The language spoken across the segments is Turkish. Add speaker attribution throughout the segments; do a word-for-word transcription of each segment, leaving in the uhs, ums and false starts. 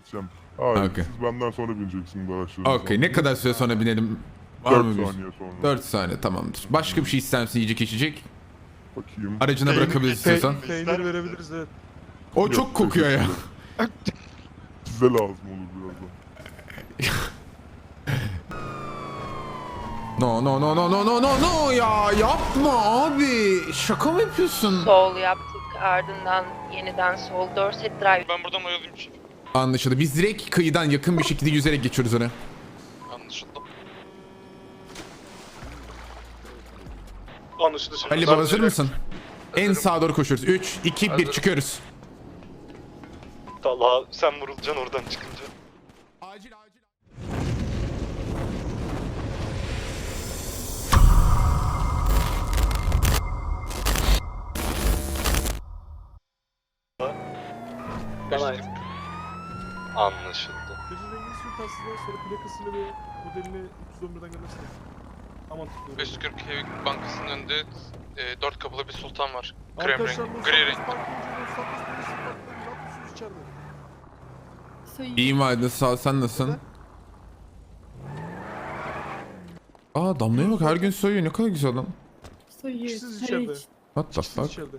Speaker 1: gideceğim. Hayır,
Speaker 2: Okay.
Speaker 1: siz benden sonra bineceksiniz araçlarınıza.
Speaker 2: Okey, ne kadar süre sonra binelim? Var
Speaker 1: dört
Speaker 2: mı bir?
Speaker 1: saniye sonra.
Speaker 2: dört saniye, tamamdır. Başka bir şey ister misin, yiyecek içecek?
Speaker 1: Bakayım.
Speaker 2: Aracına bırakabiliriz istiyorsan.
Speaker 3: Peynir verebiliriz, evet.
Speaker 2: O
Speaker 1: Yok,
Speaker 2: çok kokuyor ya.
Speaker 1: teşekkürler. Size lazım olur birazdan.
Speaker 2: No no no no no no no no ya, yapma abi. Şaka mı yapıyorsun?
Speaker 4: Sol yaptık, ardından yeniden sol Dorset Drive.
Speaker 5: Ben buradan oyalayayım şef.
Speaker 2: Anlaşıldı. Biz direkt kıyıdan yakın bir şekilde yüzerek geçiyoruz oraya.
Speaker 5: Anlaşıldı.
Speaker 3: Anlaşıldı şef.
Speaker 2: Ali Baba, hazır mısın? En sağa doğru koşuyoruz. üç, iki, bir, çıkıyoruz.
Speaker 3: Allah, sen vurulacaksın oradan çıkınca.
Speaker 2: Acil acil.
Speaker 3: Anlaşıldı. Gözün rengini sür taksiden sonra plakasını ve modelini üç yüz on birden göndersene. Aman tutuyorum.
Speaker 5: beş yüz kırk Hevik Bankası'nın önünde e, dört kapılı bir sultan var. Krem
Speaker 3: Arkadaşlar,
Speaker 5: renk,
Speaker 3: Los
Speaker 5: gri
Speaker 3: Santos
Speaker 5: renk.
Speaker 3: Park önce Los Santos Polisi Park'ta ne yapıyorsunuz içeride?
Speaker 2: İyiyim Aydın, sağ ol, sen nasılsın? Aa, Damla'ya bak, her gün soyuyor, ne kadar güzel lan.
Speaker 6: Soyuyor.
Speaker 3: Siz içeride.
Speaker 2: What the
Speaker 3: Siz
Speaker 2: fuck?
Speaker 3: içeride.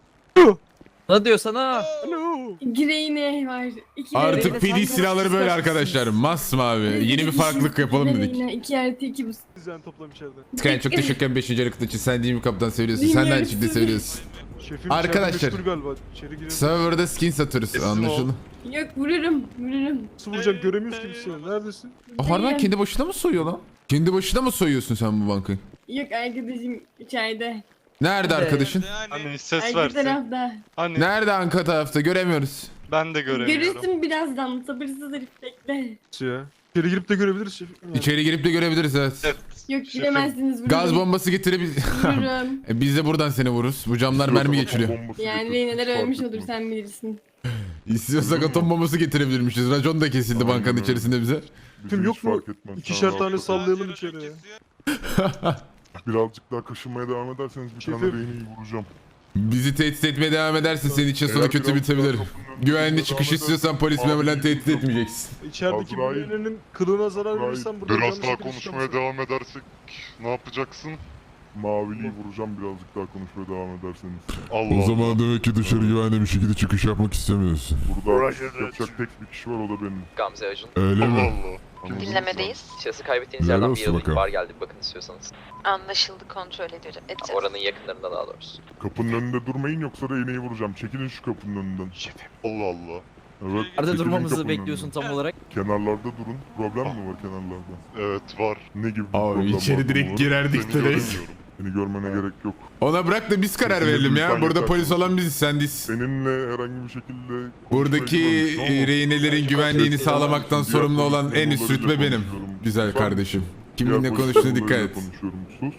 Speaker 7: Ne diyor sana?
Speaker 3: Alo.
Speaker 6: Gireyne var. İki
Speaker 2: Artık P D silahları böyle arkadaşlar. Masmavi. Yeni bir farklılık yapalım dedik.
Speaker 6: İki artı iki bu.
Speaker 3: Sizden toplam içeride.
Speaker 2: Sky, çok teşekkür ederim beşinci yarı için. Sen değil mi kaptan, seviyorsun. Sen de aynı şekilde seviyorsun.
Speaker 3: Şefim
Speaker 2: Arkadaşlar.
Speaker 3: içeride meşgul galiba. İçeri girelim.
Speaker 2: Server'da skin satıyoruz, anlaşıldı.
Speaker 6: Yok, vururum. Vururum.
Speaker 3: Nasıl vuracağım, göremiyoruz ki biz seni. Neredesin?
Speaker 2: O harbiden kendi başına mı soyuyor lan? Kendi başına mı soyuyorsun sen bu bankayı?
Speaker 6: Yok, arkadaşım içeride.
Speaker 2: Nerede arkadaşın?
Speaker 8: Hani ses
Speaker 6: Arka
Speaker 8: versin.
Speaker 6: tarafta.
Speaker 8: Hani
Speaker 2: Nerede arka tarafta, göremiyoruz.
Speaker 8: ben de göremiyorum.
Speaker 6: Görürsün birazdan. Sabırsız herif, bekle.
Speaker 3: Nasıl ya? İçeri girip de görebiliriz şefim.
Speaker 2: İçeri girip de görebiliriz, evet.
Speaker 6: Yok, giremezsiniz, vururum.
Speaker 2: Gaz bombası getirebilir.
Speaker 6: Vururum.
Speaker 2: E, Biz de buradan seni vururuz. Bu camlar mermi geçiriyor.
Speaker 1: Bombası
Speaker 6: Yani
Speaker 1: getir,
Speaker 6: reyneler
Speaker 1: hiç fark
Speaker 6: ölmüş olur,
Speaker 1: etmez.
Speaker 6: sen bilirsin.
Speaker 2: İstiyorsak atom bombası getirebilirmişiz. Racon da kesildi
Speaker 1: Aynen
Speaker 2: bankanın
Speaker 1: öyle.
Speaker 2: içerisinde bize.
Speaker 1: Bizi
Speaker 3: Tüm
Speaker 1: hiç
Speaker 3: yok mu?
Speaker 1: fark etmez.
Speaker 3: İkişer
Speaker 1: Sen
Speaker 3: tane
Speaker 1: rahat ol.
Speaker 3: sallayalım içeri ya.
Speaker 1: Birazcık daha kaşınmaya devam ederseniz bir tane
Speaker 3: Şefim.
Speaker 1: reyneyi vuracağım.
Speaker 2: Bizi tehdit etmeye devam edersin, senin için sonu
Speaker 1: Eğer
Speaker 2: kötü
Speaker 1: biraz
Speaker 2: bitebilir.
Speaker 1: daha kapının önünde
Speaker 2: Güvenli
Speaker 1: devam
Speaker 2: çıkış
Speaker 1: edersen
Speaker 2: istiyorsan polis
Speaker 1: abi
Speaker 2: memurlarını tehdit
Speaker 1: yok.
Speaker 2: etmeyeceksin.
Speaker 3: İçerideki
Speaker 1: Azrail.
Speaker 3: birilerinin kılığına zarar
Speaker 1: Azrail.
Speaker 3: verirsen burada
Speaker 9: Biraz
Speaker 3: canlı
Speaker 9: daha
Speaker 3: şekilde
Speaker 9: konuşmaya
Speaker 3: çıkamazsın.
Speaker 9: devam edersek ne yapacaksın?
Speaker 1: Maviliyi vuracağım birazcık daha konuşmaya devam ederseniz.
Speaker 9: Allah Allah.
Speaker 10: demek ki dışarı güvenli bir şekilde çıkış yapmak istemiyorsun.
Speaker 1: Burada yapacak tek bir kişi var, o da benim.
Speaker 7: Gamze Acun.
Speaker 10: Öyle
Speaker 9: Allah
Speaker 10: mi?
Speaker 9: Allah.
Speaker 1: Anladınız mı?
Speaker 4: Dinlemedeyiz.
Speaker 7: Şahsı kaybettiğiniz
Speaker 10: Helal
Speaker 7: yerden bir
Speaker 10: olsun
Speaker 7: yıllık
Speaker 10: bakalım.
Speaker 7: var geldi, bir bakın istiyorsanız.
Speaker 4: Anlaşıldı, kontrol ediyor. edeceğiz.
Speaker 7: Oranın yakınlarında daha doğrusu.
Speaker 1: Kapının önünde durmayın yoksa reyneyi vuracağım. Çekilin şu kapının önünden.
Speaker 9: Allah Allah.
Speaker 1: Evet.
Speaker 7: Nerede
Speaker 1: çekilin
Speaker 7: durmamızı
Speaker 1: kapının
Speaker 7: bekliyorsun
Speaker 1: önünden.
Speaker 7: tam olarak?
Speaker 1: Kenarlarda durun. Problem mi var kenarlarda?
Speaker 9: Evet var.
Speaker 1: Ne gibi bir
Speaker 2: Abi
Speaker 1: problem
Speaker 2: içeri
Speaker 1: var
Speaker 2: direkt
Speaker 1: bunun?
Speaker 2: girerdik
Speaker 9: Seni
Speaker 2: dereyiz.
Speaker 9: göremiyorum.
Speaker 1: Seni görmene gerek yok.
Speaker 2: Ona bırak da biz karar
Speaker 1: Kesinlikle
Speaker 2: verelim ya.
Speaker 1: lütfen
Speaker 2: Burada
Speaker 1: yeter.
Speaker 2: polis olan biziz, sen değilsin.
Speaker 1: Seninle herhangi bir şekilde...
Speaker 2: Buradaki
Speaker 1: konuşmaya
Speaker 2: e, rehinelerin güvenliğini sağlamaktan
Speaker 1: Diğer
Speaker 2: sorumlu olan en üst
Speaker 1: konuşmalarıyla
Speaker 2: rütbe benim.
Speaker 1: konuşuyorum.
Speaker 2: Güzel
Speaker 1: Lütfen.
Speaker 2: kardeşim.
Speaker 1: Diğer
Speaker 2: Kiminle
Speaker 1: polis
Speaker 2: konuştuğuna dikkat
Speaker 1: memurlarıyla
Speaker 2: et.
Speaker 1: konuşuyorum. Sus.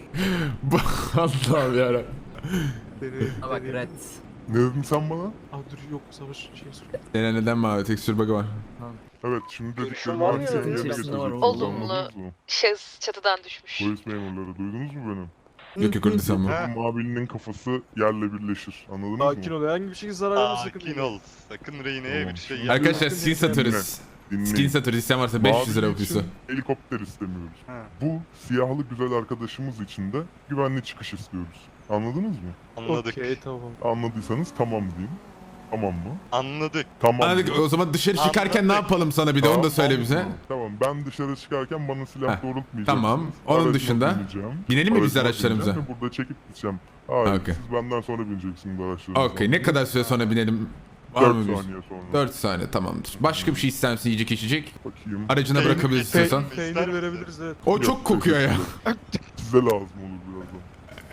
Speaker 2: Allah'ım yarabbim.
Speaker 3: Beni,
Speaker 7: Bak
Speaker 3: beni-
Speaker 7: Red.
Speaker 1: Ne dedin sen bana?
Speaker 3: Ah dur, yok savaş şey sor.
Speaker 2: Neden neden mavi tekstür bug'ı var.
Speaker 1: Evet, şimdi dediklerimi
Speaker 3: var mı
Speaker 1: artık
Speaker 3: ya?
Speaker 1: yerine
Speaker 7: İçerisinde
Speaker 1: getireceksiniz.
Speaker 7: var.
Speaker 4: Olumlu.
Speaker 1: Anladınız mı?
Speaker 4: Şahıs çatıdan düşmüş.
Speaker 1: Polis memurları, duydunuz mu beni?
Speaker 2: Yok yok, öyle sanma.
Speaker 1: Bu mavinin kafası yerle birleşir. Anladınız mı?
Speaker 3: Sakin ol, herhangi bir şekilde zarar verme sakın.
Speaker 9: Sakin ol. Sakın rehineye
Speaker 1: Tamam.
Speaker 9: bir şey yapma.
Speaker 2: Arkadaşlar skin satıyoruz.
Speaker 1: Dinleyin.
Speaker 2: Skin satıyoruz, isteyen varsa beş yüz lira
Speaker 1: Mavi
Speaker 2: yapıyorsa.
Speaker 1: için helikopter istemiyoruz.
Speaker 9: Ha.
Speaker 1: Bu siyahlı güzel arkadaşımız için de güvenli çıkış istiyoruz. Anladınız mı?
Speaker 9: Anladık.
Speaker 3: Okey, tamam.
Speaker 1: Anladıysanız tamam diyeyim. Tamam mı?
Speaker 9: Anladık.
Speaker 1: Tamam.
Speaker 2: Anladık, o zaman dışarı çıkarken ne
Speaker 9: Anladık.
Speaker 2: yapalım sana, bir de onu da
Speaker 1: Tamam,
Speaker 2: söyle
Speaker 1: tamam,
Speaker 2: bize.
Speaker 1: Tamam. Tamam, ben dışarı çıkarken bana silah
Speaker 2: Heh,
Speaker 1: doğrultmayacaksınız.
Speaker 2: tamam. Onun
Speaker 1: Aracıma
Speaker 2: dışında
Speaker 1: bineceğim.
Speaker 2: binelim mi biz
Speaker 1: Aracıma
Speaker 2: araçlarımıza?
Speaker 1: bineceğim ve burada çekip gideceğim. Hayır,
Speaker 2: Okey.
Speaker 1: siz benden sonra bineceksiniz araçlarınıza.
Speaker 2: Okey, ne kadar süre sonra binelim? Var
Speaker 1: dört
Speaker 2: mı bir?
Speaker 1: saniye sonra.
Speaker 2: dört saniye, tamamdır. Başka bir şey ister misin, yiyecek içecek?
Speaker 1: Bakayım.
Speaker 2: Aracına
Speaker 9: Peynir-
Speaker 2: bırakabiliriz istiyorsan.
Speaker 9: peynir-
Speaker 3: Peynir
Speaker 9: İster
Speaker 3: verebiliriz, evet.
Speaker 2: O
Speaker 1: Yok,
Speaker 2: çok kokuyor ya.
Speaker 1: Size lazım olur birazdan.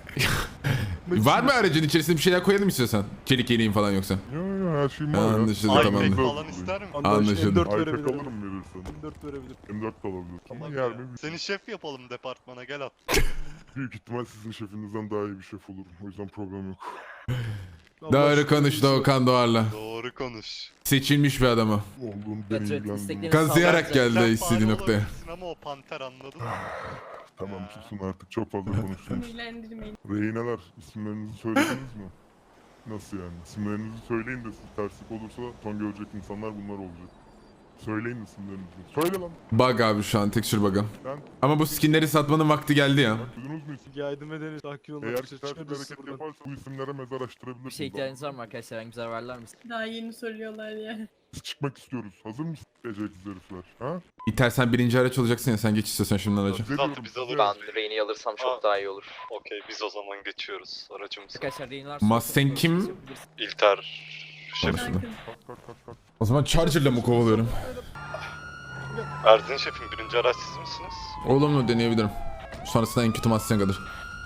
Speaker 2: Var mı aracın içerisinde bir şeyler koyalım istiyorsan? Çelik yeleğin falan yoksa.
Speaker 1: Yo yo, her şeyim var ya.
Speaker 2: Anlaşıldı,
Speaker 9: Ay
Speaker 2: tamamdır.
Speaker 9: pek falan ister mi?
Speaker 2: Anlaşıldı.
Speaker 3: M dört
Speaker 1: Aypek
Speaker 3: verebilirim.
Speaker 1: alırım verirsen.
Speaker 3: M dört verebilirim.
Speaker 1: M dört de alabilir. Ama
Speaker 9: Tamam
Speaker 1: yer
Speaker 9: ya.
Speaker 1: mi?
Speaker 9: Seni şef yapalım departmana, gel at.
Speaker 1: Büyük ihtimal sizin şefinizden daha iyi bir şef olurum. O yüzden problem yok.
Speaker 3: Allah
Speaker 2: Doğru
Speaker 3: aşkına
Speaker 2: konuş
Speaker 3: iyisi.
Speaker 2: Doğukan Doğar'la.
Speaker 9: Doğru konuş.
Speaker 2: Seçilmiş bir adamı.
Speaker 1: Olduğunu beni
Speaker 7: Evet,
Speaker 1: ilgilendirmez.
Speaker 7: isteklerini
Speaker 2: Kazıyarak
Speaker 7: sağlayacak.
Speaker 2: geldi
Speaker 9: Sen
Speaker 2: istediği
Speaker 9: fare
Speaker 2: noktaya.
Speaker 9: olabilirsin ama o panter, anladın mı?
Speaker 1: Tamam, susun artık, çok fazla konuştunuz.
Speaker 6: Sinirlendirmeyin.
Speaker 1: Rehineler, isimlerinizi söylediniz mi? Nasıl yani? İsimlerinizi söyleyin de siz terslik olursa son görecek insanlar bunlar olacak. Söyleyin isimlerinizi. Söyle lan.
Speaker 2: Bug abi şu an texture bug'ı.
Speaker 1: Ben
Speaker 2: Ama bu skinleri satmanın vakti geldi ya.
Speaker 1: duydunuz mu isim?
Speaker 3: Yardım ederiz. Sakin olun.
Speaker 1: Eğer
Speaker 3: arkadaşlar,
Speaker 1: ters bir
Speaker 3: çıkarız
Speaker 1: hareket
Speaker 3: buradan.
Speaker 1: yaparsa bu isimlere mezar açtırabilirsiniz.
Speaker 7: Bir şey ihtiyacınız var mı arkadaşlar? Herhangi bir zarar verler misin?
Speaker 6: Daha yeni soruyorlar ya.
Speaker 1: Biz çıkmak istiyoruz. Hazır mısınız beceriksiz herifler? Ha?
Speaker 2: İter sen birinci araç olacaksın ya sen geç istiyorsan şimdiden aracı.
Speaker 1: Ne diyorum
Speaker 9: biz
Speaker 1: size?
Speaker 9: alırız.
Speaker 7: Ben Rain'i alırsam çok
Speaker 9: Aa.
Speaker 7: daha iyi olur.
Speaker 9: Okey biz o zaman geçiyoruz aracımıza.
Speaker 7: Arkadaşlar Rain'ler...
Speaker 2: Mustang kim?
Speaker 9: İlter şefim.
Speaker 6: Bakın.
Speaker 1: Kalk kalk kalk kalk.
Speaker 2: O zaman Charger'la mı kovalıyorum?
Speaker 9: Erdin şefim birinci araç siz misiniz?
Speaker 2: Olumlu deneyebilirim. Sonrasında en kötü Mustang alır.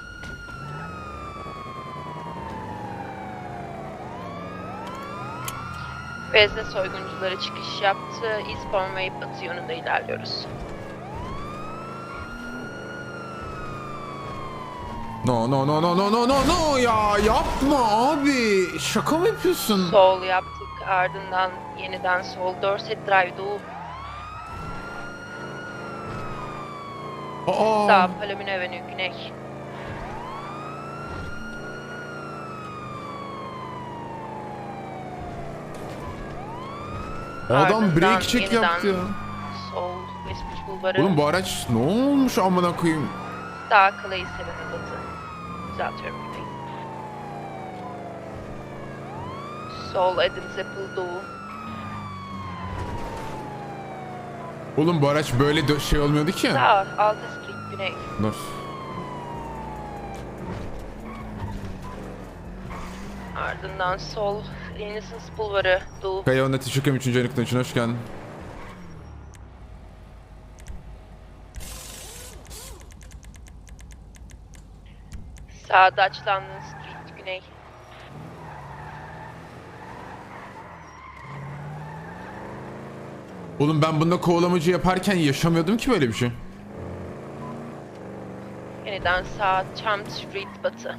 Speaker 4: Vezne soyguncuları çıkış yaptı. Eastbourne ve batı yönünde ilerliyoruz.
Speaker 2: No no no no no no no no ya yapma abi. Şaka mı yapıyorsun?
Speaker 4: Sol yaptık, ardından yeniden sol. Dorset Drive doğu.
Speaker 2: Aa.
Speaker 4: Sağ, Palomino Avenue güney.
Speaker 2: Adam
Speaker 4: Ardından
Speaker 2: break check
Speaker 4: yeniden
Speaker 2: yaptı ya.
Speaker 4: Sol, Westbridge Bulvarı.
Speaker 2: Oğlum bu araç ne olmuş amına koyayım?
Speaker 4: Sağ, Clay Seven'e batı. Düzeltiyorum güney. Sol, Adams Apple doğu.
Speaker 2: Oğlum bu araç böyle dö- şey olmuyordu ki.
Speaker 4: Sağ, Alta Street güney.
Speaker 2: Dur.
Speaker 4: Ardından sol, Innocence Bulvarı doğu.
Speaker 2: Kaya Onda Teşekkürüm üçüncü aylıktan için hoş geldin.
Speaker 4: Sağ, Dutch London Street güney.
Speaker 2: Oğlum ben bunda kovalamacı yaparken yaşamıyordum ki böyle bir şey.
Speaker 4: Yeniden sağ, Charm Street batı.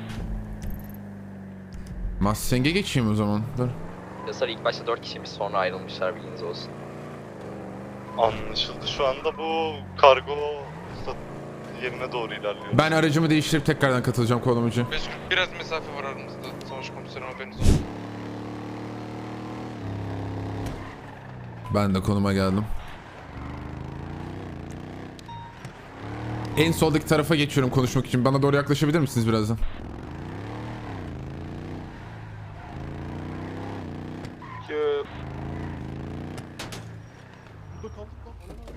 Speaker 2: Mustang'e geçeyim o zaman. Dur.
Speaker 7: Yasar ilk başta dört kişiymiş sonra ayrılmışlar bilginiz olsun.
Speaker 9: Anlaşıldı. Şu anda bu kargo sat- yerine doğru ilerliyor.
Speaker 2: Ben aracımı değiştirip tekrardan katılacağım kovalamacı.
Speaker 5: beş biraz mesafe var aramızda. Savaş komiserim haberiniz olsun.
Speaker 2: Ben de konuma geldim. En soldaki tarafa geçiyorum konuşmak için. Bana doğru yaklaşabilir misiniz birazdan?
Speaker 3: Burada kaldık lan. Ana.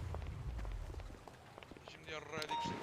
Speaker 5: Şimdi yarraydık işte.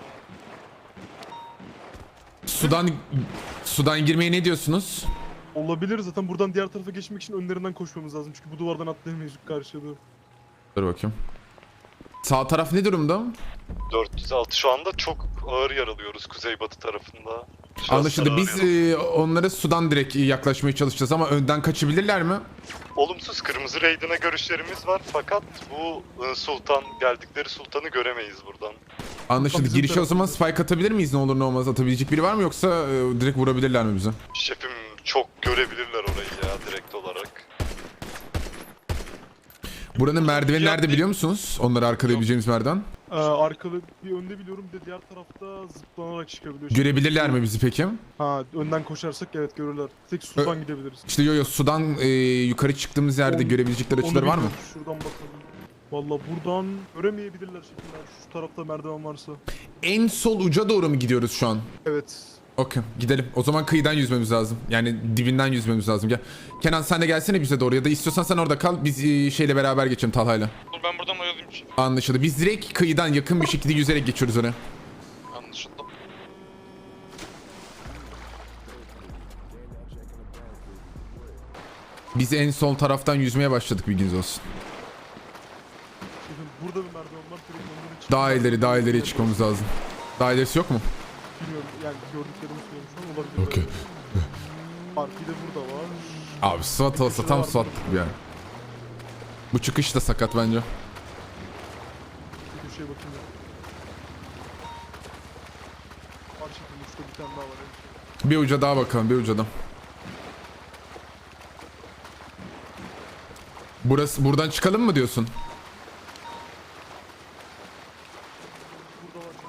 Speaker 2: Sudan sudan girmeye ne diyorsunuz?
Speaker 3: Olabilir zaten buradan diğer tarafa geçmek için önlerinden koşmamız lazım. Çünkü bu duvardan atlayamayız karşıya doğru.
Speaker 2: Dur bakayım. Sağ taraf ne durumda?
Speaker 9: dört yüz altı şu anda çok ağır yaralıyoruz kuzeybatı tarafında. Şahıslar
Speaker 2: Anlaşıldı.
Speaker 9: ağır
Speaker 2: Biz
Speaker 9: yaralı.
Speaker 2: e, onlara sudan direkt yaklaşmaya çalışacağız ama önden kaçabilirler mi?
Speaker 9: Olumsuz kırmızı raidine görüşlerimiz var fakat bu e, sultan geldikleri sultanı göremeyiz buradan.
Speaker 2: Anlaşıldı.
Speaker 3: Bizim
Speaker 2: Girişe o zaman
Speaker 3: tarafımızda.
Speaker 2: spike atabilir miyiz ne olur ne olmaz? Atabilecek biri var mı yoksa e, direkt vurabilirler mi bize?
Speaker 9: Şefim çok görebilirler orayı ya direkt olarak.
Speaker 2: Buranın merdiveni
Speaker 9: Ya-
Speaker 2: nerede biliyor musunuz? Onları arkalayabileceğimiz merdiven.
Speaker 3: Ee, arkalı bir önde biliyorum bir de diğer tarafta zıplanarak çıkabiliyor.
Speaker 2: Görebilirler mi bizi peki?
Speaker 3: Ha önden koşarsak evet görürler. Tek sudan gidebiliriz.
Speaker 2: İşte yo yo sudan e, yukarı çıktığımız yerde
Speaker 3: Onu-
Speaker 2: görebilecekleri
Speaker 3: Onu
Speaker 2: açıları var mı?
Speaker 3: bilmiyorum, şuradan bakalım. Valla buradan göremeyebilirler şekiller. Şu tarafta merdiven varsa.
Speaker 2: En sol uca doğru mu gidiyoruz şu an?
Speaker 3: Evet.
Speaker 2: Okey gidelim. O zaman kıyıdan yüzmemiz lazım. Yani dibinden yüzmemiz lazım. Gel. Kenan sen de gelsene bize doğru ya da istiyorsan sen orada kal. Biz e, şeyle beraber geçelim Talha'yla.
Speaker 5: Dur ben buradan oyalayayım şimdi.
Speaker 2: Anlaşıldı. Biz direkt kıyıdan yakın bir şekilde yüzerek geçiyoruz oraya.
Speaker 5: Anlaşıldı.
Speaker 2: Biz en sol taraftan yüzmeye başladık bilginiz olsun.
Speaker 3: Şefim burada bir merdiven var. Direkt onların için.
Speaker 2: Daha ileri daha ileriye çıkmamız lazım. Daha ilerisi yok mu?
Speaker 3: Bilmiyorum yani gördüklerimi söylüyorum şu an olabilir.
Speaker 2: Okey.
Speaker 3: Var bir de burada var.
Speaker 2: Abi SWAT olsa tam SWAT bir yer. Bu çıkış da sakat bence.
Speaker 3: Bir köşeye bakayım ya. Var şefim uçta bir tane daha var. evet.
Speaker 2: Bir uca daha bakalım bir ucadan. Burası buradan çıkalım mı diyorsun?
Speaker 3: Burada var şefim.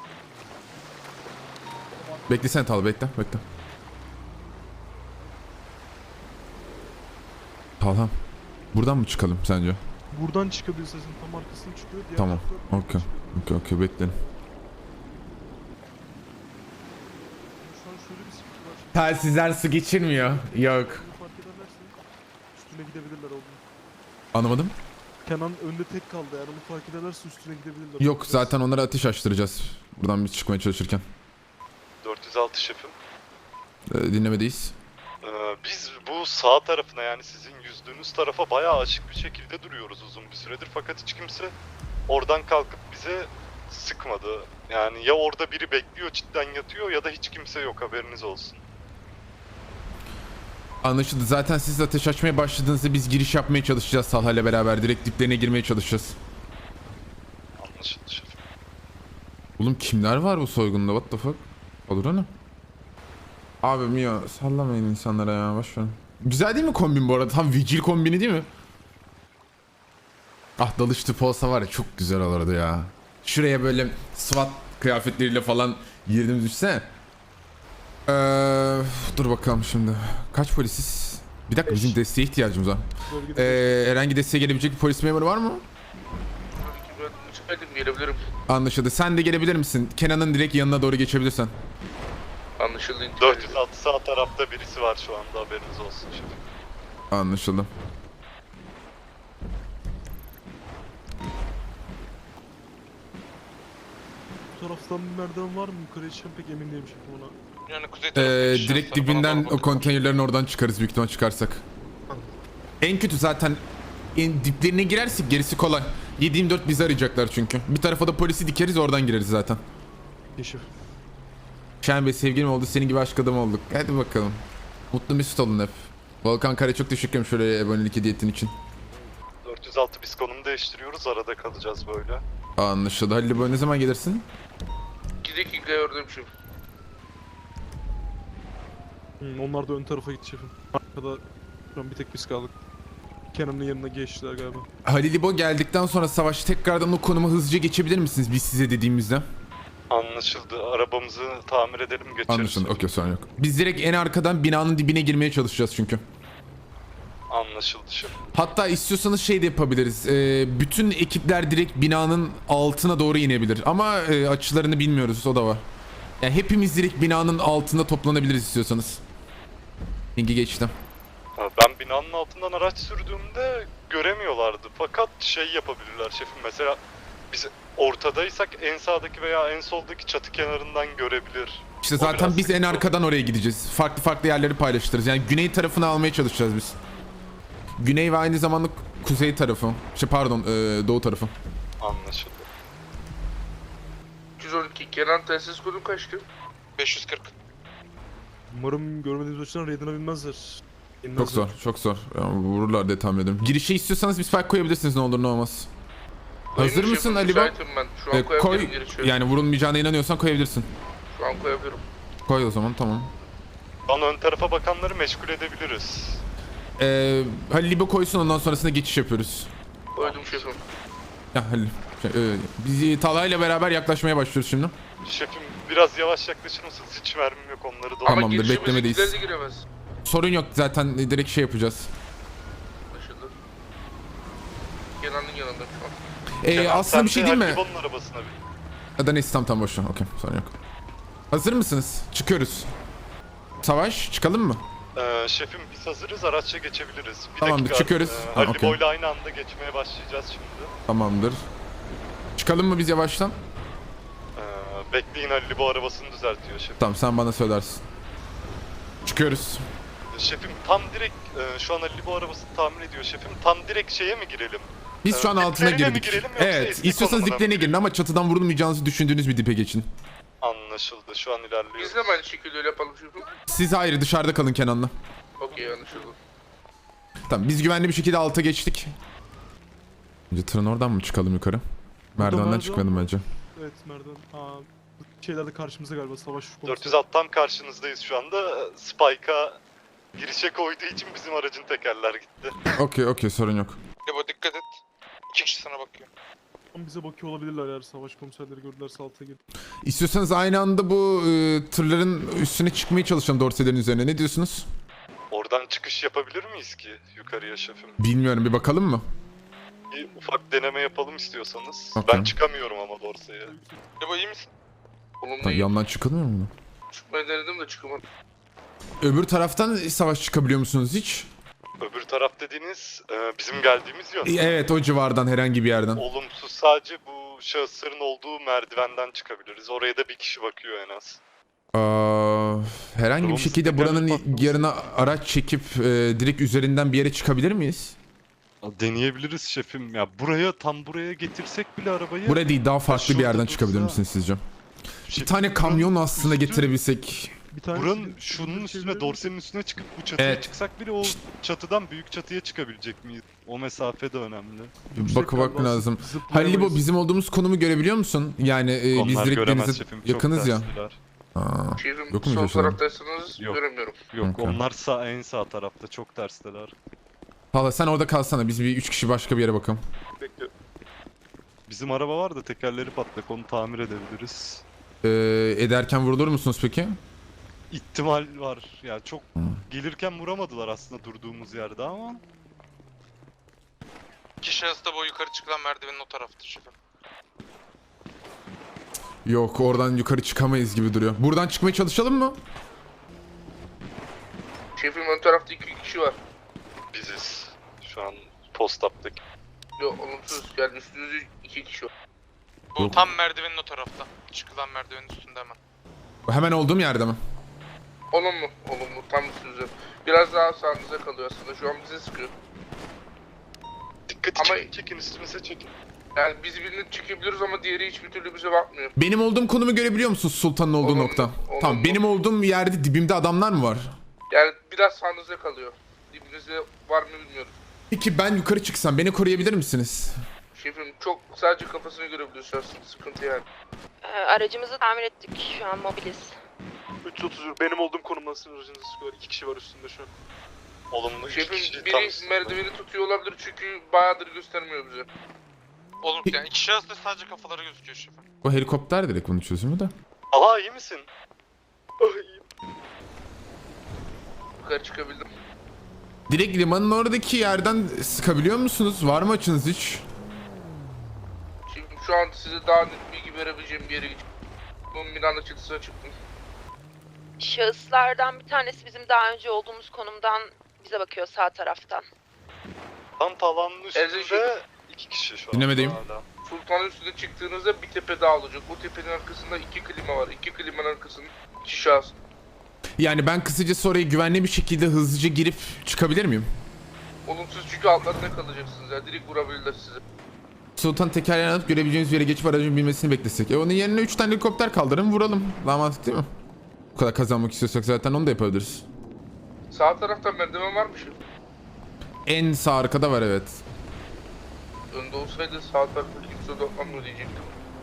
Speaker 2: Beklesene Tal bekle bekle. Talha. Buradan mı çıkalım sence?
Speaker 3: Buradan çıkabilir sesin tam arkasına çıkıyor. Diğer
Speaker 2: Tamam,
Speaker 3: tarafta buradan
Speaker 2: okey.
Speaker 3: çıkıyor.
Speaker 2: Okey okey bekleyin.
Speaker 3: Şu an şöyle bir sıkıntı var.
Speaker 2: Telsizler su geçirmiyor. Yok.
Speaker 3: Bunu fark ederlerse üstüne gidebilirler oğlum.
Speaker 2: Anlamadım.
Speaker 3: Kenan önde tek kaldı, eğer onu fark ederlerse üstüne gidebilirler.
Speaker 2: Yok zaten onlara ateş açtıracağız. Buradan biz çıkmaya çalışırken.
Speaker 9: dört yüz altı şefim.
Speaker 2: Ee, dinlemedeyiz.
Speaker 9: Ee, biz bu sağ tarafına yani sizin yüzdüğünüz tarafa bayağı açık bir şekilde duruyoruz uzun bir süredir. Fakat hiç kimse oradan kalkıp bize sıkmadı. Yani ya orada biri bekliyor cidden yatıyor ya da hiç kimse yok, haberiniz olsun.
Speaker 2: Anlaşıldı. Zaten siz ateş açmaya başladığınızda biz giriş yapmaya çalışacağız Talha ile beraber. Direkt diplerine girmeye çalışacağız.
Speaker 9: Anlaşıldı şefim.
Speaker 2: Oğlum kimler var bu soygunda? What the fuck? Olur ana. Abim ya sallamayın insanlara ya boş verin. Güzel değil mi kombin bu arada? Tam vigil kombini değil mi? Ah dalış tipi olsa var ya çok güzel olurdu ya. Şuraya böyle SWAT kıyafetleriyle falan girdiğimiz düşsene. Ee, dur bakalım şimdi. Kaç polisiz? Bir dakika bizim desteğe ihtiyacımız var.
Speaker 3: Bölgede
Speaker 2: Ee, herhangi desteğe gelebilecek bir polis memuru var mı?
Speaker 5: Ben müsaitim, gelebilirim.
Speaker 2: Anlaşıldı. Sen de gelebilir misin? Kenan'ın direkt yanına doğru geçebilirsen.
Speaker 5: Anlaşıldı.
Speaker 9: dört yüz altı sağ tarafta birisi var şu anda, haberiniz olsun şefim.
Speaker 2: Anlaşıldı.
Speaker 3: bu taraftan bir merdiven var mı? Yukarıya çıkan pek emin değilim şefim ona.
Speaker 5: Yani kuzey
Speaker 2: Ee,
Speaker 5: tarafı.
Speaker 2: direkt dibinden o konteynerlerin oradan çıkarız büyük ihtimal çıkarsak. En kötü zaten en diplerine girersek gerisi kolay. yedi yirmi dört bizi arayacaklar çünkü. Bir tarafa da polisi dikeriz oradan gireriz zaten.
Speaker 3: İyi şef.
Speaker 2: Şahin Bey sevgilim oldu senin gibi aşk adamı olduk. Hadi bakalım. Mutlu mesut olun hep. Volkan Kare çok teşekkür ederim şöyle abonelik hediye ettiğin için.
Speaker 9: dört yüz altı biz konum değiştiriyoruz, arada kalacağız böyle.
Speaker 2: Anlaşıldı. Halil Boy ne zaman gelirsin?
Speaker 5: iki dakika gördüm şu.
Speaker 3: Hmm, onlar da ön tarafa gitti şefim. Arkada şu an bir tek biz kaldık. Kenan'ın yanına geçtiler galiba.
Speaker 2: Halil İbo geldikten sonra savaş tekrardan o konuma hızlıca geçebilir misiniz biz size dediğimizde?
Speaker 9: Anlaşıldı. Arabamızı tamir edelim, geçeriz.
Speaker 2: Anlaşıldı. Okey sorun yok. Biz direkt en arkadan binanın dibine girmeye çalışacağız çünkü.
Speaker 9: Anlaşıldı şefim.
Speaker 2: Hatta istiyorsanız şey de yapabiliriz. Ee, bütün ekipler direkt binanın altına doğru inebilir. Ama e, açılarını bilmiyoruz. O da var. Yani hepimiz direkt binanın altında toplanabiliriz istiyorsanız. Linki geçtim.
Speaker 9: Ha, Ben binanın altından araç sürdüğümde göremiyorlardı. Fakat şey yapabilirler şefim, mesela biz ortadaysak en sağdaki veya en soldaki çatı kenarından görebilir.
Speaker 2: İşte
Speaker 9: O
Speaker 2: zaten
Speaker 9: biraz
Speaker 2: biz en
Speaker 9: sıkıntı
Speaker 2: arkadan oraya gideceğiz. Farklı farklı yerleri paylaştırırız. Yani güney tarafını almaya çalışacağız biz. Güney ve aynı zamanda kuzey tarafı. Şey pardon, e, doğu tarafı.
Speaker 9: Anlaşıldı.
Speaker 5: üç yüz on iki Kenan telsiz kodun kaçtı?
Speaker 7: beş yüz kırk.
Speaker 3: Umarım görmediğimiz açıdan raid'ine binmezler.
Speaker 2: Çok
Speaker 3: İnmezler.
Speaker 2: zor, çok zor. Yani vururlar diye tahmin ediyorum. Girişe istiyorsanız bir spike koyabilirsiniz ne olur ne olmaz. Hazır
Speaker 5: Koyayım
Speaker 2: mısın
Speaker 5: şefim,
Speaker 2: Ali Bey?
Speaker 5: müsaitim ben. Şu an
Speaker 2: Ee, koy,
Speaker 5: koyabilirim girişi.
Speaker 2: yani vurulmayacağına inanıyorsan koyabilirsin.
Speaker 5: Şu an koyabilirim.
Speaker 2: Koy o zaman tamam.
Speaker 9: Şu an ön tarafa bakanları meşgul edebiliriz.
Speaker 2: Ee, Halil İbo koysun ondan sonrasında geçiş yapıyoruz.
Speaker 5: Koydum şefim.
Speaker 2: Ya Halil. Şey, e, biz Talha ile beraber yaklaşmaya başlıyoruz şimdi.
Speaker 9: Şefim biraz yavaş yaklaşır mısınız? Hiç mermim yok, onları da...
Speaker 2: Tamamdır,
Speaker 5: Ama girişimize
Speaker 2: beklemedeyiz.
Speaker 5: gittiler de giremez.
Speaker 2: Sorun yok zaten direkt şey yapacağız.
Speaker 5: Anlaşıldı. Kenan'ın yanında şu an.
Speaker 2: Ee,
Speaker 9: Kenan,
Speaker 2: aslında bir
Speaker 9: sen
Speaker 2: şey
Speaker 9: de
Speaker 2: değil mi?
Speaker 9: Halibo'nun arabasına bin.
Speaker 2: Ya da neyse tam tam boş ver. Okey sorun yok. Hazır mısınız? Çıkıyoruz. Savaş çıkalım mı?
Speaker 9: Ee, şefim biz hazırız, araçla geçebiliriz. Bir
Speaker 2: Tamamdır,
Speaker 9: dakika,
Speaker 2: çıkıyoruz.
Speaker 9: Ee,
Speaker 2: Ha, okey.
Speaker 9: Halibo'yla aynı anda geçmeye başlayacağız şimdi.
Speaker 2: Tamamdır. Çıkalım mı biz yavaştan?
Speaker 9: Ee, bekleyin, Halibo arabasını düzeltiyor şefim.
Speaker 2: Tamam sen bana söylersin. Çıkıyoruz.
Speaker 9: Şefim tam direkt e, şu an Halibo arabasını tamir ediyor şefim. Tam direkt şeye mi girelim?
Speaker 2: Biz şu an
Speaker 9: Ee,
Speaker 2: altına
Speaker 9: diplerine mi
Speaker 2: girdik.
Speaker 9: girelim yoksa
Speaker 2: Evet.
Speaker 9: eski
Speaker 2: İstiyorsanız
Speaker 9: konumuna mı
Speaker 2: diplerine girin ama çatıdan vurulmayacağınızı düşündüğünüz bir dipe geçin.
Speaker 9: Anlaşıldı, şu an ilerliyoruz.
Speaker 5: Biz de mi aynı şekilde öyle yapalım şefim?
Speaker 2: Siz ayrı dışarıda kalın Kenan'la.
Speaker 5: Okey anlaşıldı.
Speaker 2: Tamam biz güvenli bir şekilde alta geçtik. Önce tırın oradan mı çıkalım yukarı? Merdivenden
Speaker 3: merdiven
Speaker 2: çıkmadım
Speaker 3: var.
Speaker 2: bence.
Speaker 3: Evet merdiven. Aa, şeyler de karşımızda galiba, savaş konusu.
Speaker 9: dört yüz alt tam karşınızdayız şu anda. Spike'a girişe koyduğu için bizim aracın tekerler gitti.
Speaker 2: Okey okey sorun yok.
Speaker 5: Lebo dikkat et. İki kişi sana bakıyor.
Speaker 3: Tam bize bakıyor olabilirler eğer savaş komiserleri gördülerse alta gir.
Speaker 2: İstiyorsanız aynı anda bu e, tırların üstüne çıkmaya çalışalım dorselerin üzerine. Ne diyorsunuz?
Speaker 9: Oradan çıkış yapabilir miyiz ki yukarıya şefim?
Speaker 2: Bilmiyorum bir bakalım mı?
Speaker 9: bir ufak deneme yapalım istiyorsanız.
Speaker 2: Okey.
Speaker 9: Ben çıkamıyorum ama dorsaya.
Speaker 5: Ebo iyi misin?
Speaker 2: Lan yandan çıkılmıyor mu?
Speaker 3: Çıkmayı denedim de çıkamadım.
Speaker 2: Öbür taraftan savaş çıkabiliyor musunuz hiç?
Speaker 9: Öbür taraf dediğiniz e, bizim geldiğimiz yön.
Speaker 2: Evet, o civardan herhangi bir yerden.
Speaker 9: Olumsuz, sadece bu şahısların olduğu merdivenden çıkabiliriz. Oraya da bir kişi bakıyor en az.
Speaker 2: Aa, herhangi bir
Speaker 9: Olumsuz
Speaker 2: şekilde
Speaker 9: tekerlek
Speaker 2: buranın
Speaker 9: patlaması.
Speaker 2: yarına araç çekip e, direkt üzerinden bir yere çıkabilir miyiz?
Speaker 9: Deneyebiliriz şefim. Ya buraya, tam buraya getirsek bile arabayı.
Speaker 2: Buraya değil, daha farklı bir
Speaker 9: şurada
Speaker 2: yerden
Speaker 9: dursa-
Speaker 2: çıkabilir misiniz sizce? Bir
Speaker 9: Şefim,
Speaker 2: tane kamyon aslında
Speaker 9: üstü-
Speaker 2: getirebilsek.
Speaker 3: Bir tane
Speaker 9: Buranın şunun üstüne, dorsenin üstüne çıkıp bu çatıya
Speaker 2: Evet.
Speaker 9: çıksak bile o çatıdan büyük çatıya çıkabilecek miyiz? O mesafe de önemli.
Speaker 2: Bakı bak lazım.
Speaker 3: Zıplayamayız.
Speaker 2: Hallibo, bizim olduğumuz konumu görebiliyor musun? Yani e, biz
Speaker 9: Onlar
Speaker 2: direkt
Speaker 9: göremez
Speaker 2: denize
Speaker 9: şefim. Çok
Speaker 2: yakınız ya.
Speaker 9: terstiler.
Speaker 2: Aa,
Speaker 3: Şefim
Speaker 2: Yok mu
Speaker 3: sol
Speaker 2: köşeden?
Speaker 3: taraftaysanız
Speaker 9: Yok.
Speaker 3: göremiyorum.
Speaker 9: Yok,
Speaker 2: Okey.
Speaker 9: onlar sağ, en sağ tarafta, çok tersteler.
Speaker 2: Valla sen orada kalsana, biz bir üç kişi başka bir yere bakalım.
Speaker 3: Bekliyorum.
Speaker 9: Bizim araba var da tekerleri patlak, onu tamir edebiliriz.
Speaker 2: Ee, ederken vurulur musunuz peki?
Speaker 9: İhtimal var. Ya çok gelirken vuramadılar aslında durduğumuz yerde ama.
Speaker 5: İki şahıs da bu yukarı çıkılan merdivenin o taraftır şefim.
Speaker 2: Yok, oradan yukarı çıkamayız gibi duruyor. Buradan çıkmaya çalışalım mı?
Speaker 3: Şefim ön tarafta iki kişi var.
Speaker 9: Biziz. Şu an post-up'taki.
Speaker 3: Yok olumsuz. Yani üstünüzde iki kişi var.
Speaker 5: Bu
Speaker 2: Yok.
Speaker 5: tam merdivenin o tarafta. Çıkılan merdivenin üstünde hemen.
Speaker 2: Hemen olduğum yerde mi?
Speaker 3: Olumlu. Olumlu. Tam üstünüzde. Biraz daha sağınıza kalıyor aslında. Şu an bize sıkıyor.
Speaker 9: Dikkat
Speaker 3: Ama-
Speaker 9: çekin, çekin üstümüze çekin.
Speaker 3: Yani biz birini çekebiliyoruz ama diğeri hiçbir türlü bize bakmıyor.
Speaker 2: Benim olduğum konumu görebiliyor musun, Sultan'ın olduğu
Speaker 3: Olumlu,
Speaker 2: nokta?
Speaker 3: olumlu.
Speaker 2: Tamam, benim olduğum yerde dibimde adamlar mı var?
Speaker 3: Yani biraz sağınıza kalıyor. Dibinizde var mı bilmiyorum.
Speaker 2: Peki ben yukarı çıksam beni koruyabilir misiniz?
Speaker 3: Şefim çok sadece kafasını görebiliyorsunuz. Sıkıntı yani.
Speaker 4: Ee, aracımızı tamir ettik. Şu an mobiliz.
Speaker 3: üç otuz bir benim olduğum konumda aracınızı sıkıyorlar. İki kişi var üstünde şu an.
Speaker 9: Olumlu iki kişi
Speaker 3: Şefim
Speaker 9: tam
Speaker 3: biri
Speaker 9: üstünde.
Speaker 3: merdiveni tutuyor olabilir çünkü bayağıdır göstermiyor bize.
Speaker 5: Oğlum yani iki şahıs da sadece kafaları gözüküyor şefim.
Speaker 2: O helikopter direkt bunun çözümü de.
Speaker 9: Aha, iyi misin?
Speaker 3: Yukarı çıkabildim.
Speaker 2: Direkt limanın oradaki yerden sıkabiliyor musunuz? Var mı açınız hiç?
Speaker 3: Şimdi şu an size daha net bilgi verebileceğim bir yere gideceğim. Bunun binanın çatısına çıktım.
Speaker 4: Şahıslardan bir tanesi bizim daha önce olduğumuz konumdan bize bakıyor sağ taraftan.
Speaker 9: Tam tavanın
Speaker 3: Erzincan.
Speaker 9: üstünde iki kişi şu an.
Speaker 2: Dinlemedeyim.
Speaker 9: hala.
Speaker 3: Sultanın üstüne çıktığınızda bir tepe daha olacak. O tepenin arkasında iki klima var. İki klimanın arkasında iki şahıs.
Speaker 2: Yani ben kısacası oraya güvenli bir şekilde hızlıca girip çıkabilir miyim?
Speaker 3: Olumsuz çünkü altlarında kalacaksınız ya. Direkt vurabilirler sizi.
Speaker 2: Sultan tekerleğini alıp görebileceğiniz bir yere geçip aracın binmesini beklesek. E onun yerine üç tane helikopter kaldırın, vuralım. Daha mantıklı değil mi? Bu kadar kazanmak istiyorsak zaten onu da yapabiliriz.
Speaker 3: Sağ tarafta merdiven var mı şimdi?
Speaker 2: En sağ arkada var, evet.
Speaker 3: Önde olsaydı sağ tarafta kimse odaklanmıyor diyecektim.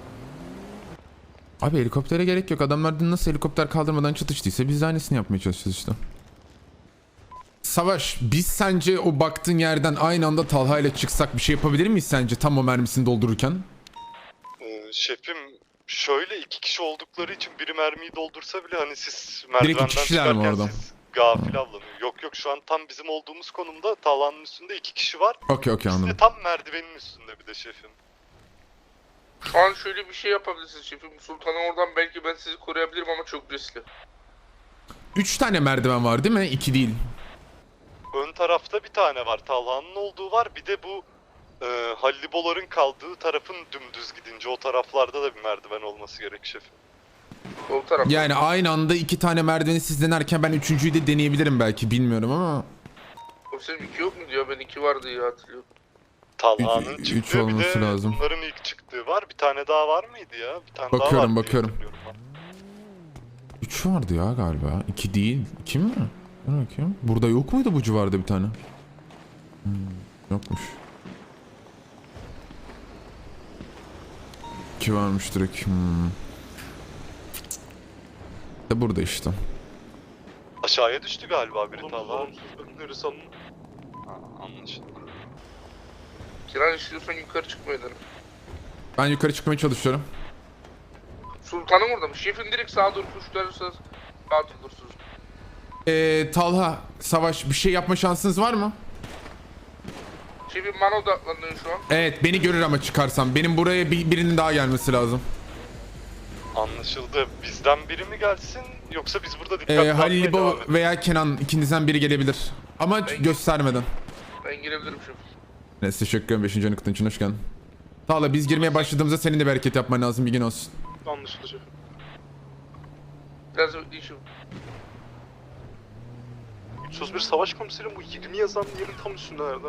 Speaker 2: Abi helikoptere gerek yok. Adamlar dün nasıl helikopter kaldırmadan çatıştıysa biz de aynısını yapmaya çalışacağız işte. Savaş, biz sence o baktığın yerden aynı anda Talha ile çıksak bir şey yapabilir miyiz sence tam o mermisini doldururken?
Speaker 9: Ee, şefim şöyle iki kişi oldukları için biri mermiyi doldursa bile hani siz
Speaker 2: iki
Speaker 9: merdivenden
Speaker 2: kişiler mi
Speaker 9: çıkarken
Speaker 2: orada?
Speaker 9: siz gafil avlanıyor. Yok yok, şu an tam bizim olduğumuz konumda tavanın üstünde iki kişi var.
Speaker 2: Okey okey
Speaker 9: Biz de
Speaker 2: anladım.
Speaker 9: tam merdivenin üstünde bir de şefim.
Speaker 3: Şu an şöyle bir şey yapabilirsiniz şefim. Sultan'ı oradan belki ben sizi koruyabilirim ama çok riskli.
Speaker 2: Üç tane merdiven var değil mi? İki değil.
Speaker 9: Ön tarafta bir tane var. Talha'nın olduğu var. Bir de bu e, Halliboların kaldığı tarafın dümdüz gidince o taraflarda da bir merdiven olması gerek şefim.
Speaker 3: Sol taraf.
Speaker 2: Yani aynı anda iki tane merdiveni siz denerken ben üçüncüyü de deneyebilirim belki, bilmiyorum ama.
Speaker 3: Komiserim iki yok mu diyor? Ben iki var diye hatırlıyorum.
Speaker 9: Talha'nın
Speaker 2: Üç-
Speaker 9: çıktığı
Speaker 2: üç
Speaker 9: bir de
Speaker 2: olması lazım.
Speaker 9: bunların ilk çıktığı var. Bir tane daha var mıydı ya? Bir tane
Speaker 2: Bakıyorum,
Speaker 9: daha var diye
Speaker 2: bakıyorum.
Speaker 9: hatırlıyorum ben.
Speaker 2: Üç vardı ya galiba. İki değil. İki mi? Dur bakayım. Burada yok muydu bu civarda bir tane? Hmm, yokmuş. İki varmış direkt. Hmm. De burada işte.
Speaker 9: Aşağıya düştü galiba biri Talha.
Speaker 3: Olumsuz. Neresi anladın?
Speaker 9: Ha, anlaşıldı.
Speaker 3: Kiran istiyorsan yukarı çıkmayı derim.
Speaker 2: Ben yukarı çıkmaya çalışıyorum.
Speaker 3: Sultan'ım orada mı? Şefin direkt sağa doğru kuşlarırsanız rahat olursunuz.
Speaker 2: Ee, Talha, Savaş, bir şey yapma şansınız var mı?
Speaker 5: Şefim bana odaklandın şu an.
Speaker 2: Evet beni görür ama çıkarsam. Benim buraya bir, birinin daha gelmesi lazım.
Speaker 9: Anlaşıldı. Bizden biri mi gelsin yoksa biz burada dikkatli
Speaker 2: Ee,
Speaker 9: bakmaya
Speaker 2: Halil İbo
Speaker 9: devam edelim.
Speaker 2: veya Kenan ikinizden biri gelebilir. Ama göstermeden.
Speaker 5: Ben girebilirim şefim.
Speaker 2: Neyse teşekkür ederim beşinci anıkıtın için hoş geldin. Tağla biz girmeye başladığımızda senin de bir hareket yapman lazım, bilgin olsun.
Speaker 3: Anlaşıldı şefim.
Speaker 5: Biraz bekleyin şefim.
Speaker 3: üç yüz bir savaş komiserim bu yirmi yazan yerin tam üstünde nerede?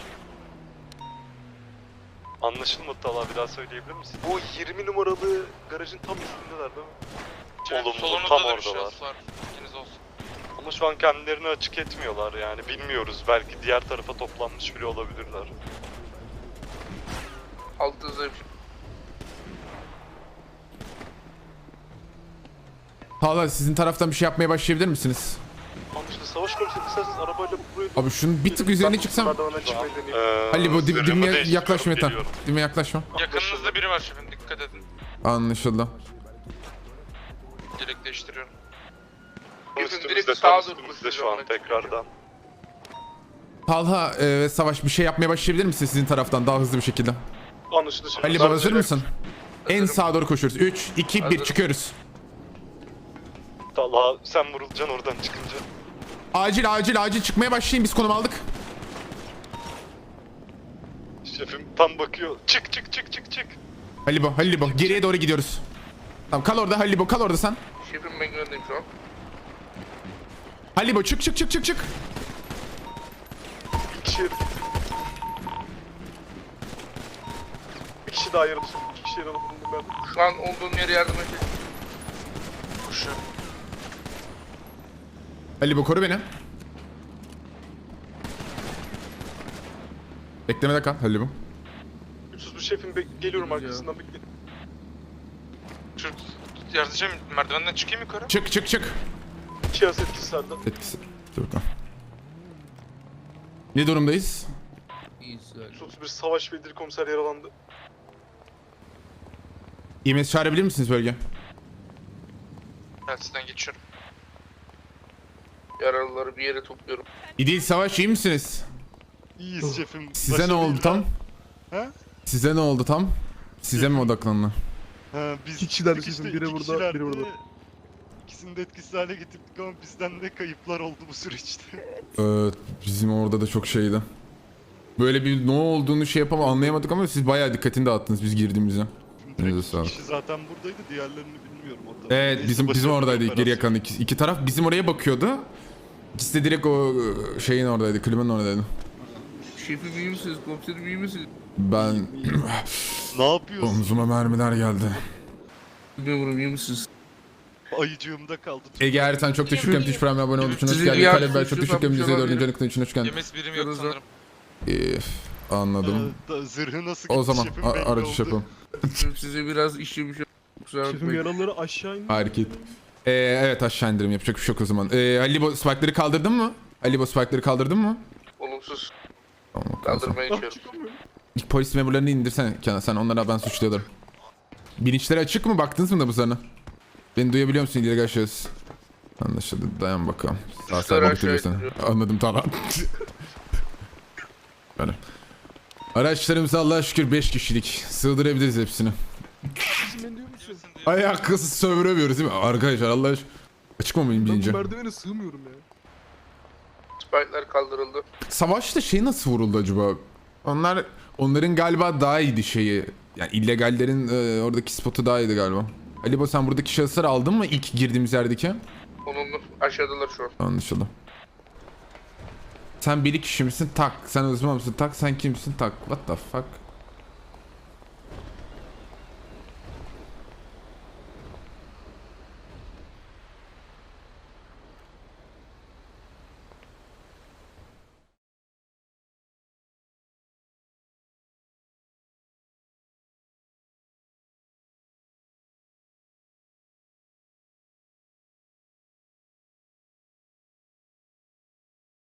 Speaker 9: Anlaşılmadı Talha, bir daha söyleyebilir misin?
Speaker 3: Bu yirmi numaralı garajın tam üstündeler değil mi?
Speaker 9: Olumlu,
Speaker 5: Solunuzda
Speaker 9: tam
Speaker 5: da bir
Speaker 9: oradalar.
Speaker 5: şahıs var. Bilginiz olsun.
Speaker 9: Ama şu an kendilerini açık etmiyorlar yani bilmiyoruz. Belki diğer tarafa toplanmış bile olabilirler.
Speaker 5: Altınızda bir şey.
Speaker 2: Tağla sizin taraftan bir şey yapmaya başlayabilir misiniz?
Speaker 3: Anlaşıldı. Savaş komiserim isterseniz arabayla buraya...
Speaker 2: Abi şunun bir tık üzerine çıksam.
Speaker 3: Merdivenden çıkmayı deneyeyim.
Speaker 9: Ee,
Speaker 2: Halil İbo dib,
Speaker 9: zırhımı
Speaker 2: dibime
Speaker 9: değiştiriyorum,
Speaker 2: yaklaşma yeter.
Speaker 9: geliyorum.
Speaker 2: Dibime yaklaşma.
Speaker 5: Yakınınızda biri var şefim, dikkat edin.
Speaker 2: Anlaşıldı.
Speaker 5: Direkt değiştiriyorum.
Speaker 9: Üstümüzde,
Speaker 5: direkt
Speaker 9: tam
Speaker 5: sağa
Speaker 9: üstümüzde
Speaker 5: doğru
Speaker 9: şu an
Speaker 5: koşuyorum.
Speaker 9: tekrardan.
Speaker 2: Talha e, ve Savaş bir şey yapmaya başlayabilir misiniz sizin taraftan daha hızlı bir şekilde?
Speaker 3: Anlaşıldı şefim.
Speaker 2: Halil İbo hazır mısın? En
Speaker 5: Hazırım.
Speaker 2: sağa doğru koşuyoruz. üç, iki, bir
Speaker 5: Hazırım.
Speaker 2: çıkıyoruz.
Speaker 9: Talha sen vurulacaksın oradan çıkınca.
Speaker 2: Acil acil acil çıkmaya başlayın, biz konum aldık.
Speaker 9: Şefim tam bakıyor. Çık çık çık çık çık.
Speaker 2: Halil İbo, Halil İbo geriye doğru gidiyoruz. Tamam kal orada Halil İbo, kal orada sen.
Speaker 5: Şefim ben güvendeyim şu an.
Speaker 2: Halil İbo çık çık çık çık çık.
Speaker 3: Bir kişi... Bir kişi daha yaralı şefim. İki kişi yaralı bulundum ben.
Speaker 5: Şu an olduğum yere yardım edin. Koşuyorum.
Speaker 2: Halil İbo koru beni. Beklemede kal Halil İbo.
Speaker 3: üç yüz bir şefim be- geliyorum arkasından bekle.
Speaker 5: Şu yardımcım merdivenden çıkayım yukarı.
Speaker 2: Çık çık çık.
Speaker 3: İki yaz etkisi sende.
Speaker 2: Etkisi. Dur bakalım. Ne durumdayız?
Speaker 3: üç yüz bir savaş ve dil komiser yaralandı.
Speaker 2: İ M S çağırabilir misiniz bölge?
Speaker 5: Telsizden geçiyorum. Yaralıları bir yere topluyorum.
Speaker 2: İdil Savaş iyi misiniz?
Speaker 9: İyiyiz şefim.
Speaker 2: Size ne oldu tam?
Speaker 9: He?
Speaker 2: Size ne oldu tam? Size mi odaklandı?
Speaker 9: Ha, biz
Speaker 3: İki kişiler
Speaker 9: çıkışta
Speaker 3: şefim, biri
Speaker 9: iki
Speaker 3: burada,
Speaker 9: kişilerdi.
Speaker 3: biri burada.
Speaker 9: İkisini de etkisiz hale getirdik ama bizden de kayıplar oldu bu süreçte.
Speaker 2: Ee, bizim orada da çok şeydi. Böyle bir ne olduğunu şey yapamam anlayamadık ama siz bayağı dikkatini dağıttınız biz girdiğimizde. Elinize
Speaker 9: İki
Speaker 2: sağlık.
Speaker 9: kişi zaten buradaydı, diğerlerini bilmiyorum. O tabii.
Speaker 2: Evet
Speaker 9: Neyse,
Speaker 2: bizim bizim
Speaker 9: başarılı
Speaker 2: oradaydı
Speaker 9: bir
Speaker 2: geri
Speaker 9: operasyon.
Speaker 2: yakan iki, iki taraf bizim oraya bakıyordu. İkisi de direkt o e, şeyin oradaydı, klimanın oradaydı.
Speaker 5: Şefim iyi misiniz? Komiserim iyi misiniz?
Speaker 2: Ben
Speaker 9: Ne yapıyorsun?
Speaker 2: omzuma mermiler geldi.
Speaker 5: Bilmiyorum iyi misiniz?
Speaker 9: Ayıcığımda kaldı.
Speaker 2: Ege Ertan çok teşekkür ederim. Twitch Prime'e abone olduğu için hoş
Speaker 5: Sizin
Speaker 2: geldin.
Speaker 5: bir
Speaker 2: Kalem ben
Speaker 5: yardımcı
Speaker 2: çok teşekkür ederim.
Speaker 5: yapmış
Speaker 2: Yüzde dördüncü
Speaker 5: olabilir.
Speaker 2: anıklığı için hoş geldin.
Speaker 5: Yemes birim yok sanırım.
Speaker 2: Ee, anladım.
Speaker 9: Ee, da- zırhı nasıl
Speaker 2: O
Speaker 9: gitti
Speaker 2: zaman
Speaker 9: şefim
Speaker 2: a-
Speaker 9: belli
Speaker 2: aracı
Speaker 9: oldu.
Speaker 2: şey yapalım.
Speaker 5: Size biraz işlemiş. Kusura
Speaker 3: Şefim
Speaker 5: bakmayın.
Speaker 3: yaralıları aşağı indi.
Speaker 2: Hareket. Ee, evet aşağı indirim yapacak bir şey yok o zaman. Ee, Ali İbo spike'ları kaldırdın mı? Ali İbo spike'ları kaldırdın mı?
Speaker 5: Olumsuz.
Speaker 2: Tamam, okey, o zaman.
Speaker 5: Kaldırmaya
Speaker 3: Ah,
Speaker 5: çalışıyorum.
Speaker 3: çıkamıyorum.
Speaker 2: İlk polis memurlarını indirsene Kenan. Sen onlara ben suçluyorum. Bilinçleri açık mı? Baktınız mı da bu sana? Beni duyabiliyor musun illegal şahıs? Anlaşıldı. Dayan bakalım. Sağ
Speaker 5: Suçları
Speaker 2: sağa
Speaker 5: aşağı
Speaker 2: bakıyorsun.
Speaker 5: indiriyorum.
Speaker 2: Anladım tamam. Böyle. Araçlarımız Allah'a şükür beş kişilik. Sığdırabiliriz hepsini.
Speaker 3: Bizim beni duyuyor musun?
Speaker 2: Ayakkabı sövüremiyoruz değil mi? Arkadaşlar Allah aşkına. Açık mı mıyım
Speaker 3: Ben
Speaker 2: bilince?
Speaker 3: bu merdivene sığmıyorum ya.
Speaker 5: Spike'lar kaldırıldı.
Speaker 2: Savaşta şey nasıl vuruldu acaba? Onlar onların galiba daha iyiydi şeyi. Yani illegallerin e, oradaki spotu daha iyiydi galiba. Ali İbo sen buradaki şahısları aldın mı ilk girdiğimiz yerdeki?
Speaker 5: Olumlu. Aşağıdalar şu an.
Speaker 2: Anlaşıldı. Sen bir kişi misin? Tak. Sen uzman mısın? Tak. Sen kimsin? Tak. What the fuck?